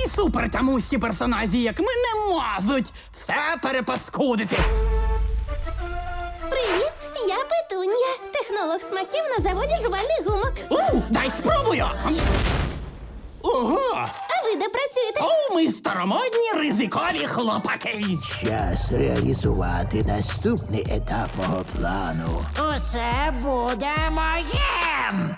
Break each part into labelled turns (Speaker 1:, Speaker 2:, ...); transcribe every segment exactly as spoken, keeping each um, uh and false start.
Speaker 1: такі супертамущі персонажі, як ми, не можуть все перепаскудити.
Speaker 2: Привіт, я Петунія, технолог смаків на заводі жувальних гумок.
Speaker 1: У, дай спробую!
Speaker 3: Ого!
Speaker 2: А ви де працюєте?
Speaker 1: О, ми старомодні ризикові хлопаки.
Speaker 4: Час реалізувати наступний етап мого плану.
Speaker 5: Усе буде моїм!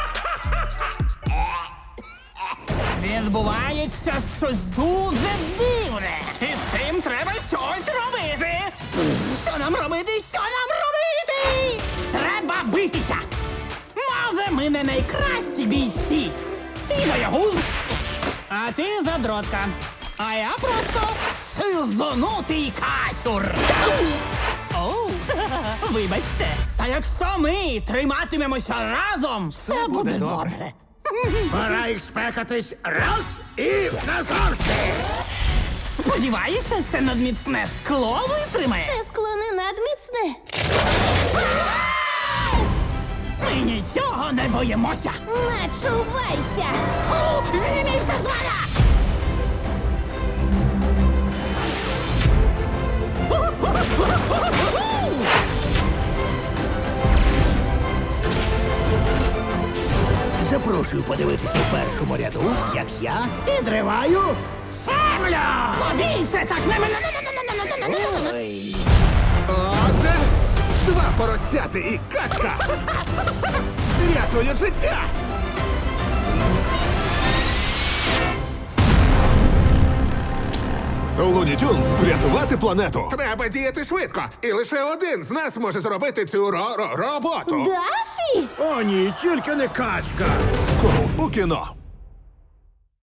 Speaker 1: Відбувається щось дуже дивне. І з цим треба щось робити. Що нам робити? Що нам робити? Треба битися. Може, ми не найкращі бійці. Ти боягуз, а ти задротка. А я просто сизонутий касюр. Оу, вибачте. Та якщо ми триматимемося разом, все буде добре.
Speaker 3: Пора їх спекатись раз і назавжди!
Speaker 1: Сподіваюся, це надміцне скло витримає.
Speaker 2: Це скло не надміцне.
Speaker 1: Ми нічого не боїмося.
Speaker 2: Начувайся!
Speaker 1: О, зніміться з мене!
Speaker 4: Запрошую подивитися у першому ряду, як я підриваю
Speaker 1: Землю! Побійся так! Не мене!
Speaker 4: Ой.
Speaker 3: Отже, два поросяти і качка! Рятує життя! Луні Тюнс, врятувати планету! Треба діяти швидко, і лише один з нас може зробити цю ро-ро- роботу.
Speaker 2: Дафі!
Speaker 4: О, ні, тільки не качка.
Speaker 3: Скоро у кіно.